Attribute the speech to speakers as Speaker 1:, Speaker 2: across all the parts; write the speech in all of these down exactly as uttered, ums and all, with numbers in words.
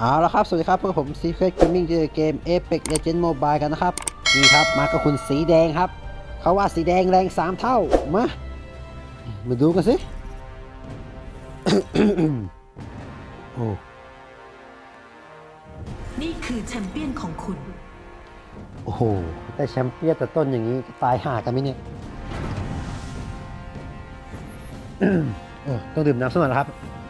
Speaker 1: เอาละครับสวัสดีครับพวกผม Secret Gaming ที่เกม Apex Legends Mobile กันนะครับนี่ครับมากับคุณสีแดงครับเขาว่าสีแดงแรงสามเท่ามามาดูกันสิ โอ้
Speaker 2: นี่คือแชมเปี้ยนของคุณ
Speaker 1: โอ้โหแต่แชมเปี้ยนแต่ต้นอย่างนี้ตายห่ากันไหมเนี่ย เออต้องดื่มน้ำสักหน่อยนะครับ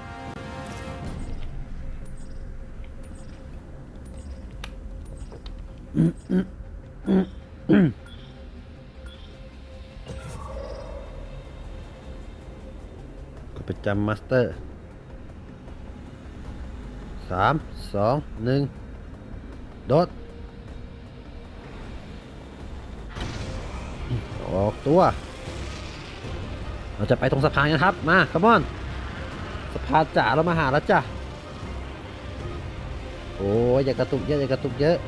Speaker 1: ก็ประจำมาสเตอร์สามสองหนึ่งโดดออกตัวเราจะไปตรงสะพานกันครับมาคัมอนสะพานจ๋าเรามาหาแล้วจ้ะโอ้ยอย่ากระตุกเยอะอย่ากระตุกเยอะ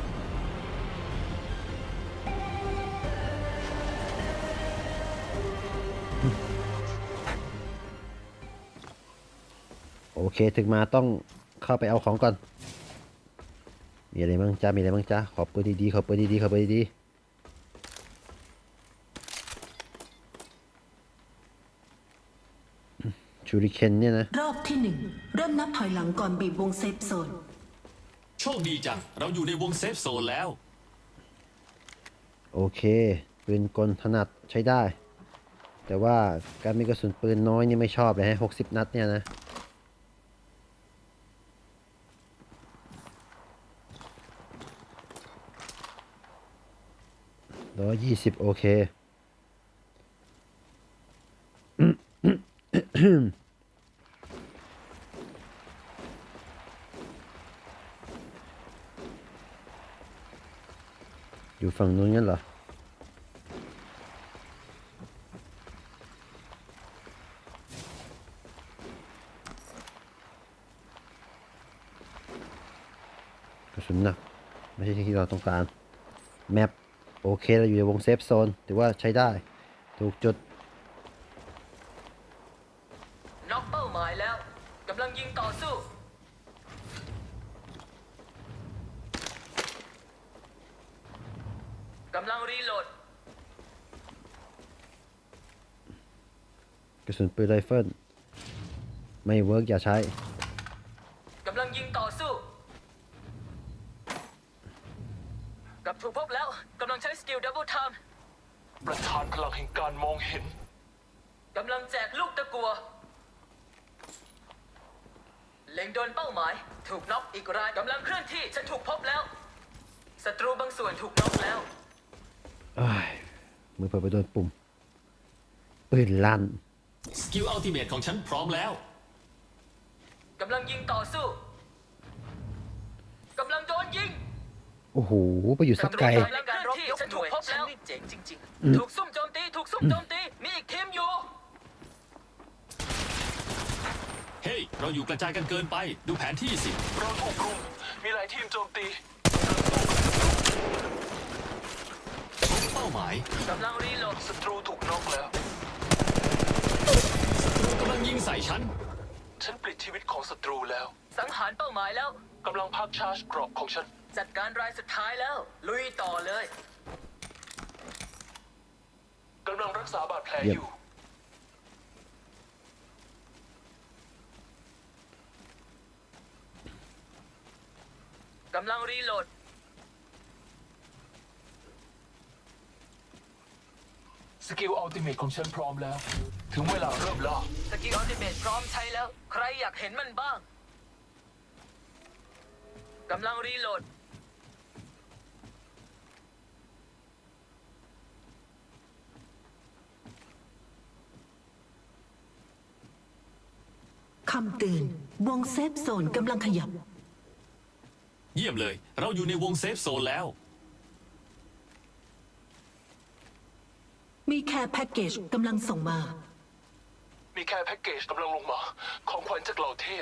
Speaker 1: โอเคถึงมาต้องเข้าไปเอาของก่อนมีอะไรบ้างจ้ามีอะไรบ้างจ้าขอเปิดดีๆขอเปิดดีๆขอเปิดดีๆชูริเคนเนี่ยนะ
Speaker 2: รอบที่หนึ่งเริ่มนับถอยหลังก่อนบีบวงเซฟโซน
Speaker 3: โชคดีจังเราอยู่ในวงเซฟโซนแล้ว
Speaker 1: โอเคปืนกลถนัดใช้ได้แต่ว่าการมีกระสุนปืนน้อยนี่ไม่ชอบเลยฮะหกสิบนัดเนี่ยนะร้อยยี่สิบโอเคอยู่ฝั่งนู้นงั้นเหรอกระสุนหนักไม่ใช่ที่เราต้องการแมปโอเคเราอยู่ในวงเซฟโซนถือว่าใช้ได้ถูกจุด
Speaker 4: น็อกเป้าหมายแล้วกำลังยิงต่อสู้กำลังรีโหลด
Speaker 1: กระสุนปืนไรเฟิลไม่เวิร์กอย่าใช้
Speaker 4: กำลังยิงต่อสู้กับถูกพบแล้วกำลังใช้สกิลดับเบิลไทม์
Speaker 3: ประธานพลังแห่งการมองเห็น
Speaker 4: กำลังแจกลูกตะกัวเล็งโดนเป้าหมายถูกน็อกอีกรายกำลังเคลื่อนที่ฉันถูกพบแล้วศัตรูบางส่วนถูกน็อกแล้ว
Speaker 1: มือเปิดไปโดนปุ่มปืนลั่น
Speaker 3: สกิลอัลติเมทของฉันพร้อมแล้ว
Speaker 4: กำลังยิงต่อสู้กำลังโดนยิง
Speaker 1: โอ้โหไปอยู่สักไกล
Speaker 4: การรบยกหน่วยฉันนี่เจ๋งจริงๆถูกซุ่มโจมตีถูกซุ่มโจมตีมีอีกทีมอยู่
Speaker 3: เฮ้ยเราอยู่กระจายกันเกินไปดูแผนที่สิ
Speaker 5: เราถูกรุมมีหลายทีมโจมตี
Speaker 3: เป้าหมาย
Speaker 4: กำลังรีโหลด
Speaker 5: ศัตรูถูกน็อกแล้ว
Speaker 3: กำลังยิงใส่ฉัน
Speaker 5: ฉันปลิดชีวิตของศัตรูแล้ว
Speaker 4: สังหารเป้าหมายแล้ว
Speaker 5: กำลังพักชาร์จเกราะของฉัน
Speaker 4: จัดการรายสุดท้ายแล้วลุยต่อเลย
Speaker 5: กำลังรักษาบาดแผลอยู่
Speaker 4: กำลังรีโหลด
Speaker 5: สกิลอัลติเมทของฉันพร้อมแล้วถึงเวลาเริ่มล่า
Speaker 4: สกิลอัลติเมทพร้อมใช้แล้วใครอยากเห็นมันบ้างกำลังรีโหลด
Speaker 2: คำเตือนวงเซฟโซนกำลังขยับ
Speaker 3: เยี่ยมเลยเราอยู่ในวงเซฟโซนแล้ว
Speaker 2: มีแค่แพ็กเกจกำลังส่งมา
Speaker 5: มีแค่แพ็กเกจกำลังลงมาของขวัญจากเหล่าเทพ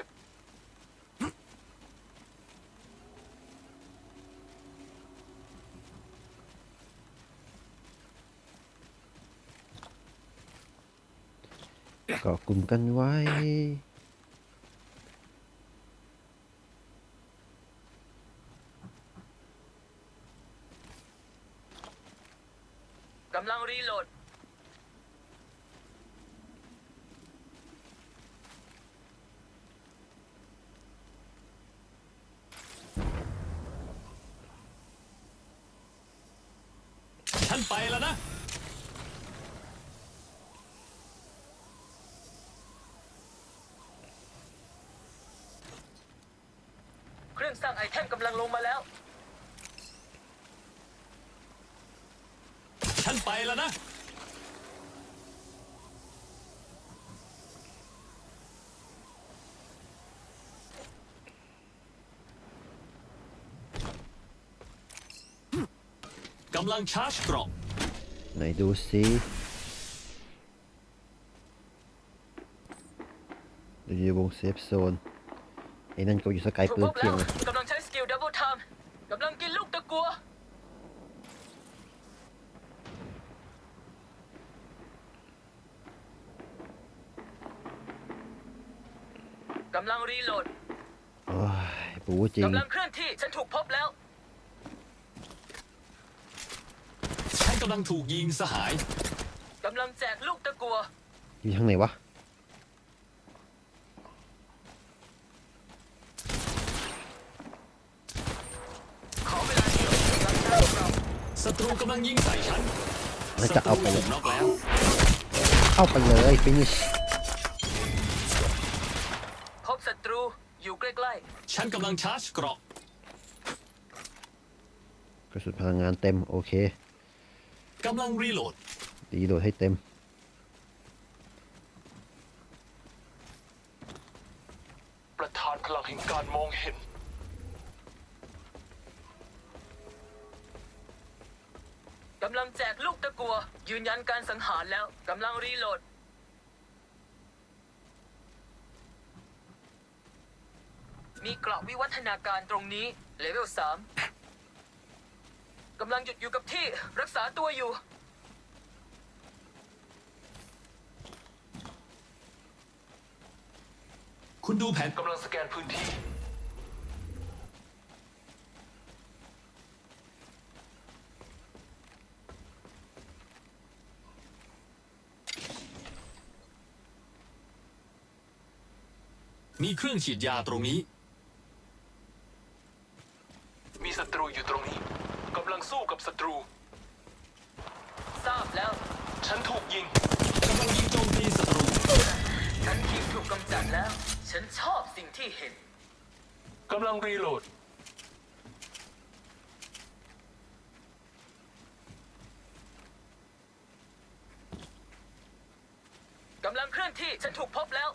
Speaker 1: ก็กลุ่มกันไว้
Speaker 4: กำลังรีโหลด
Speaker 3: ฉันไปแล้วนะ
Speaker 4: เครื่องสร้างไอเทมกำลังลงมาแล้ว
Speaker 3: ฉันไปแล้วนะ กำลังชาร์จเกราะ
Speaker 1: ไหนดูสิเราอยู่ในวงเซฟโซนไอ้นั่นก็อยู่สกาย
Speaker 4: ถูก
Speaker 1: ปื
Speaker 4: พ
Speaker 1: น
Speaker 4: บ
Speaker 1: เพีย
Speaker 4: แล้
Speaker 1: ง
Speaker 4: ว
Speaker 1: เลย
Speaker 4: กำลังใช้สกิลดับเบิลไทม์กำลังกินลูกตะกัว กำลังรีโหลด
Speaker 1: โอ้ยปูจริง
Speaker 4: กำลังเคลื่อนที่ ฉันถูกพบแล้ว
Speaker 3: ฉันกำลังถูกยิงสหาย
Speaker 4: กำลังแจกลูกตะกัว
Speaker 1: อยู่ทางไหนวะ
Speaker 4: ขอเวลาเดียวกำลังสร้างเรา
Speaker 3: ศัตรูกำลังยิงใส่ฉัน
Speaker 1: แล้วจะเอาไป
Speaker 3: ศัตรูถูกน็อกแล้ว
Speaker 1: เข้าไปเลยฟินิช
Speaker 4: พบศัตรูอยู่ใกล้
Speaker 3: ฉันกำลังชาร์จเกราะ
Speaker 1: กระสุนพลังงานเต็มโอเค
Speaker 3: กำลังรีโหลด
Speaker 1: ดีโดดให้เต็ม
Speaker 5: ประธานพลังแห่งการมองเห็น
Speaker 4: ๆ กำลังแจกลูกตะกัว ยืนยันการสังหารแล้ว กำลังรีโหลด มีเกราะวิวัฒนาการตรงนี้ เลเวลสามกำลังหยุดอยู่กับที่รักษาตัวอยู่
Speaker 3: คุณดูแผน
Speaker 5: กำลังสแกนพื้นที่
Speaker 3: มีเครื่องฉีดยาตรงนี้
Speaker 5: มีศัตรูอยู่ตรงนี้กำลังสู้กับศัตรู
Speaker 4: ทราบแล้ว
Speaker 5: ฉันถูกยิง
Speaker 3: กำลังยิงโจมตีศัตรู
Speaker 4: ฉันทีมถูกกำจัดแล้ว ฉันชอบสิ่งที่เห็น
Speaker 5: กำลังรีโหลด
Speaker 4: กำลังเคลื่อนที่ ฉันถูกพบแล้ว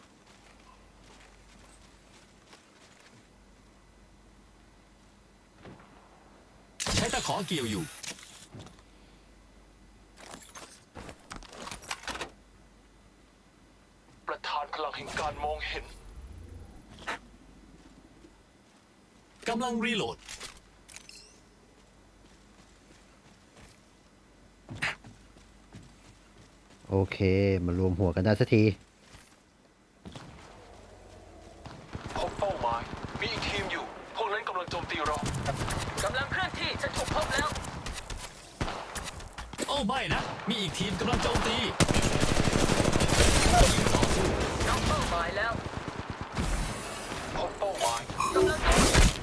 Speaker 3: ใช้ตะขอเกี่ยวอยู่
Speaker 5: ประธานพลังแห่งการมองเห็น
Speaker 3: กำลังรีโหลด
Speaker 1: โอเคมารวมหัวกันได้สักที
Speaker 5: พบเป้าหมาย มีอีกทีมอยู่ พวกนั้นกำลังโจมตีเรา
Speaker 4: กำลังเคลื่อนที่ ฉันถูกพบแล้ว
Speaker 3: โอ้ไม่นะ มีอีกทีมกำลังโจมตียิงต่อสู้
Speaker 4: น้องเป้าหมายแล้ว
Speaker 5: พบเป้าหมาย
Speaker 4: กำลังโดน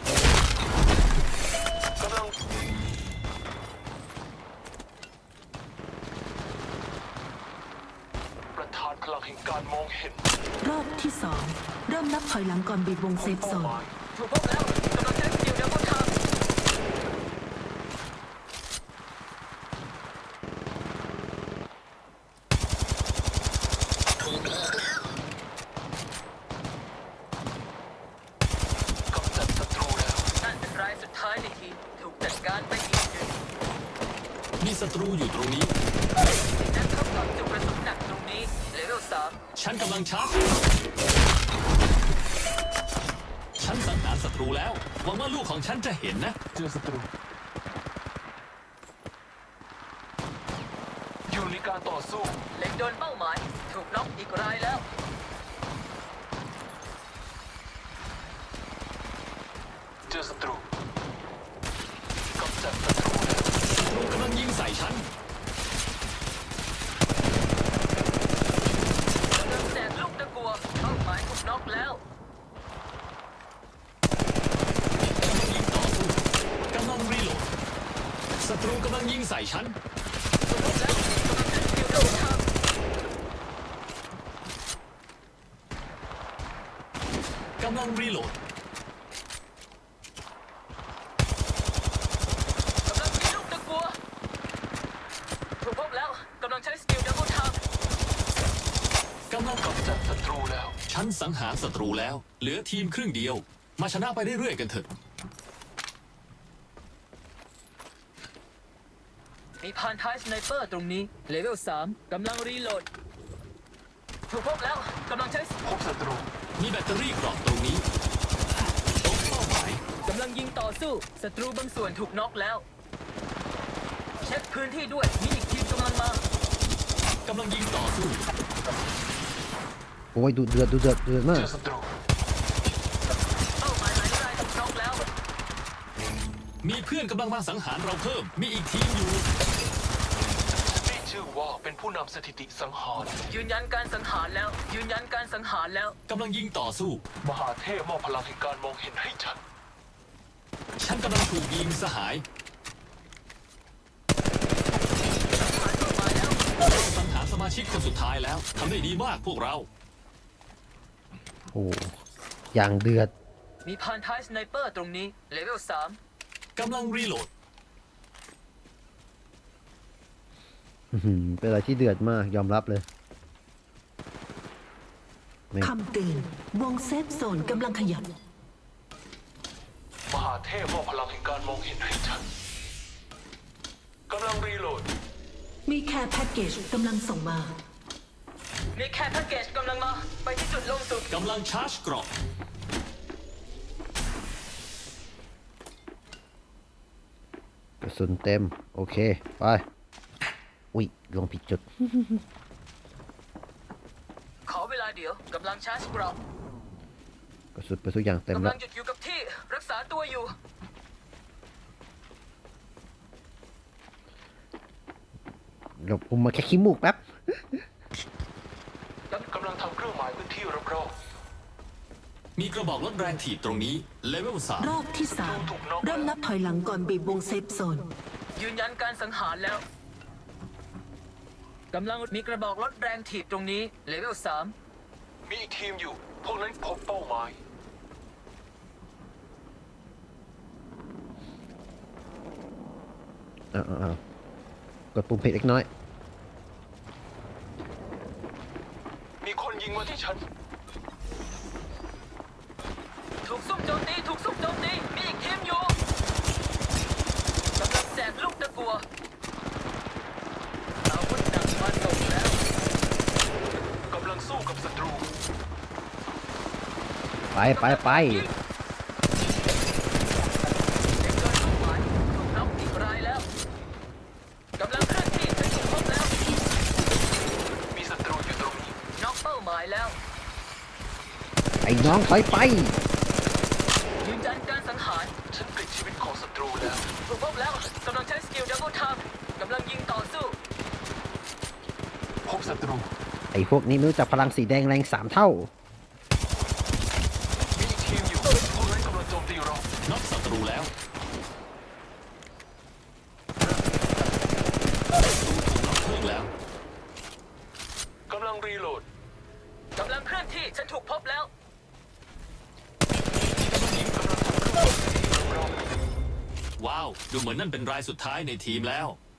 Speaker 5: กำลัง ประธานพลังแห่งการมองเห็น
Speaker 2: รอบที่สองเริ่มนับถอยหลังก่อนบีบวง
Speaker 5: พ
Speaker 2: เซ
Speaker 5: บ
Speaker 2: ฟโซ
Speaker 5: เป้าน หมาย
Speaker 4: ถูกพบแล้ว กำลังใช้สกิลดับเบิลไทม์
Speaker 5: กำจัดศัตรูแล้ว
Speaker 4: นั่นเป็นรายสุดท้ายในทีม ถูกจัดการไปอีกหนึ่ง
Speaker 3: มีศัตรูอยู่ตรงนี้
Speaker 4: และเข้ากับจุดกระสุนหนักตรงนี้ เลเวลสาม
Speaker 3: ฉันกำลังชาร์จ ฉันสังหารศัตรูแล้ว หวังว่าลูกของฉันจะเห็นนะ
Speaker 5: เจอศัตรู อยู่ในการต่อสู้
Speaker 4: เล็งโดนเป้าหมาย ถูกน็อกอีกรายแล้ว
Speaker 5: เจอศัตรูกำจัดศัตรูแล้ว
Speaker 3: ศัตรูกำลังยิงใส่ฉันศัตรูกำลังยิงใส่ฉัน
Speaker 4: ถูกพบแล้วกำลังใช้สกิลดับเบิลทับ
Speaker 3: กำลังรีโหลด
Speaker 4: กำลังมีลูกตะกัวถูกพบแล้วกำลังใช้สกิลดับเบิลทับ
Speaker 3: กำลัง
Speaker 5: กำจัดศัตรูแล้ว
Speaker 3: ฉันสังหารศัตรูแล้ว เหลือทีมครึ่งเดียว มาชนะไปเรื่อยๆกันเถอะ
Speaker 4: มีพานท้ายสไนเปอร์ตรงนี้เลเวลสามกำลังรีโหลดถูกพบแล้วกำลังใช้
Speaker 5: พบศัตรู
Speaker 3: มีแบตเตอรี่กรอบตรงนี้พบเป้าหมาย
Speaker 4: กำลังยิงต่อสู้ศัตรูบางส่วนถูกน็อกแล้วเช็คพื้นที่ด้วยมีอีกทีมกำลังมาก
Speaker 3: ำลังยิงต่อสู้
Speaker 1: โอ้ยดูเดือดดูเดือดเดือดมา
Speaker 5: เจ
Speaker 1: ก
Speaker 5: อศัตรู
Speaker 4: เป้าหมายหลายรายถูกน็อกแล้ว
Speaker 3: มีเพื่อนกำลังมาสังหารเราเพิ่ม มีอีกทีมอยู่
Speaker 5: นี่ชื่อว่าเป็นผู้นำสถิติสังหาร
Speaker 4: ยืนยันการสังหารแล้ว ยืนยันการสังหารแล้ว
Speaker 3: กำลังยิงต่อสู้
Speaker 5: มหาเทพมอบพลังแห่งการมองเห็นให้ฉัน
Speaker 3: ฉันกำลังถูกยิงสหาย สังหารสมาชิกคนสุดท้ายแล้ว ทำได้ดีมากพวกเรา
Speaker 1: โอ้อย่างเดือด
Speaker 4: มีพานท้ายสไนเปอร์ตรงนี้เลเวลสาม
Speaker 3: กำลังรีโหลด
Speaker 1: อื้อหือเป็นอะไรที่เดือดมากยอมรับเลยแม่ง
Speaker 2: คำเตือนวงเซฟโซนกำลังขยับ
Speaker 5: มหาเทพมอบพลังแห่งการมองเห็นให้ฉันกำลังรีโหลด
Speaker 2: มีแคร์แพ็กเกจกำลังส่งมา
Speaker 4: มีแค่แพ็กเกจกำลังมา ไปที่จุดลงสุด
Speaker 3: กำลังชาร์จกรอบ
Speaker 1: กระสุนเต็ม โอเค ไป อุ้ยลงผิดจุด
Speaker 4: ขอเวลาเดี๋ยวกำลังชาร์จกรอบ
Speaker 1: กระสุนไปทุกอย่างเต็ม
Speaker 4: กำ
Speaker 1: แล้
Speaker 4: ลั
Speaker 1: ว
Speaker 4: งหยุดอยู่กับที่รักษาตัวอยู่
Speaker 1: เดี๋ยวผมมาแค่ขี้มูกแป๊บ
Speaker 5: กำลังทำเครื่องหมายพื้นที่รอบ
Speaker 3: มีกระบอกลดแรงถีบตรงนี้ เลเวลสาม
Speaker 2: รอบที่สามเริ่มนับถอยหลังก่อนบีบวงเซฟโซน
Speaker 4: ยืนยันการสังหารแล้วกำลังมีกระบอกลดแรงถีบตรงนี้เลเวลสาม
Speaker 5: ๆมีอีกทีมอยู่ พวกนั้นพบเป้าหมาย
Speaker 1: อ้าวอ้าวกดปุ่มผิดเล็กน้อย
Speaker 5: มีคนยิงมาที่ฉัน
Speaker 4: ถูกซุ่มโจมตีถูกซุ่มโจมตีมีอีกทีมอยู่กำลังแจกลูกตะกัวอาวุธหนักมาส่งแล้ว
Speaker 5: กำลังสู้กับศัตรู
Speaker 1: ไปไปไป
Speaker 4: เด็กเกินเป้าหมายถูกน็อกอีกรายแล้วกำลังเคลื่อนที่ฉันถูกพบแล้ว
Speaker 5: มีศัตรูอยู่ตรงนี้
Speaker 4: น็อกเป้าหมายแล้ว
Speaker 1: ไอ้น้องถอยไป
Speaker 4: ยืนยันการสังหาร
Speaker 5: ฉันปลิดชีวิตของศัตรูแล้ว
Speaker 4: ถูกพบแล้วกำลังใช้สกิลดับเบิลทับกำลังยิงต่อสู้
Speaker 5: พบศัตรู
Speaker 1: ไอ้พวกนี้ไม่รู้จักพลังสีแดงแรงสามเท่า
Speaker 5: มีอีกทีมอยู่ พวกนั้นกำลังโจมตีเรา
Speaker 3: น็อกศัตรูแล้ว ศัตรูถูกน็อกเพิ่มแล้ว
Speaker 5: กำลังรีโหลด
Speaker 4: กำลังเคลื่อนที่ฉันถูกพบแล้ว
Speaker 3: ว้าว ดูเหมือนนั่นเป็นรายสุดท้ายในทีมแล้ว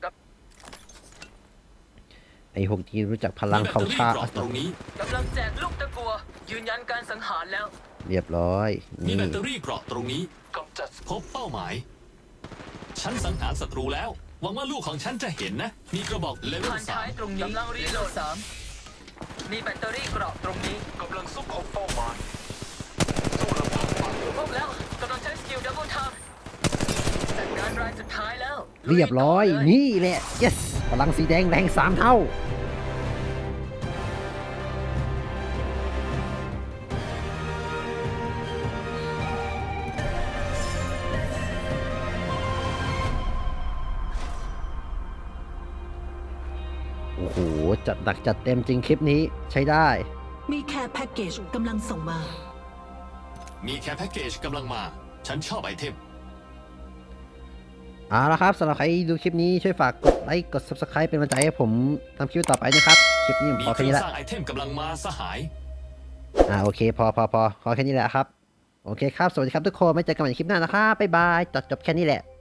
Speaker 1: ไอ้พวกที่รู้จักพลัง
Speaker 3: มีแบต
Speaker 1: เขา
Speaker 3: เตอรี่
Speaker 1: ชาก
Speaker 3: รอบตรงนี้
Speaker 4: กำลังแจกลูกตะกัว ยืนยันการสังหารแล้ว
Speaker 1: เรียบร้อย
Speaker 3: มี
Speaker 1: นี่
Speaker 3: แบตเตอรี่เกราะตรงนี้
Speaker 5: กำจัด
Speaker 3: พบเป้าหมาย ฉันสังหารศัตรูแล้ว หวังว่าลูกของฉันจะเห็นนะ มีกระบอกเลเวล
Speaker 4: ผ่าน
Speaker 3: สา
Speaker 4: ท้าย
Speaker 3: ม
Speaker 4: ตรงนี้กำลังรีโหลดสามมีแบตเตอรี่เกราะตรงนี้
Speaker 5: กำลังสู้พบเป้าหมาย สู้ลำพังไป
Speaker 4: ถูกพบแล้วกำลังใช้สกิลดับเบิลทับจัดการรายสุดท้ายแล้ว
Speaker 1: เรียบร้อย
Speaker 4: ลุต่เล
Speaker 1: นี่แหละ yes พลังสีแดงแรงสามเท่า โอ้โห จัดหนักจัดเต็มจริงคลิปนี้ใช้ได้
Speaker 2: มีแคร์แพ็กเกจกำลังส่งมา
Speaker 3: มีแค่แพ็กเกจกำลังมา ฉันชอบไอเทม
Speaker 1: เอาละครับสำหรับใครดูคลิปนี้ช่วยฝากกดไลค์กด ซับสไครบ์ เป็นกำลังใจให้ผมทำคลิปต่อไปนะครับคลิปนี้ผม
Speaker 3: มี
Speaker 1: พอ
Speaker 3: เค
Speaker 1: แค่
Speaker 3: รื่อ
Speaker 1: นี้
Speaker 3: ง
Speaker 1: ละ
Speaker 3: สร้างไอเทมกำลังมาสหาย
Speaker 1: อ่าโอเคพอพอพอพอแค่นี้แหละครับโอเคครับสวัสดีครับทุกคนไม่เจอกันใหม่ในคลิปหน้านะครับบ๊ายบายจบจบแค่นี้แหละ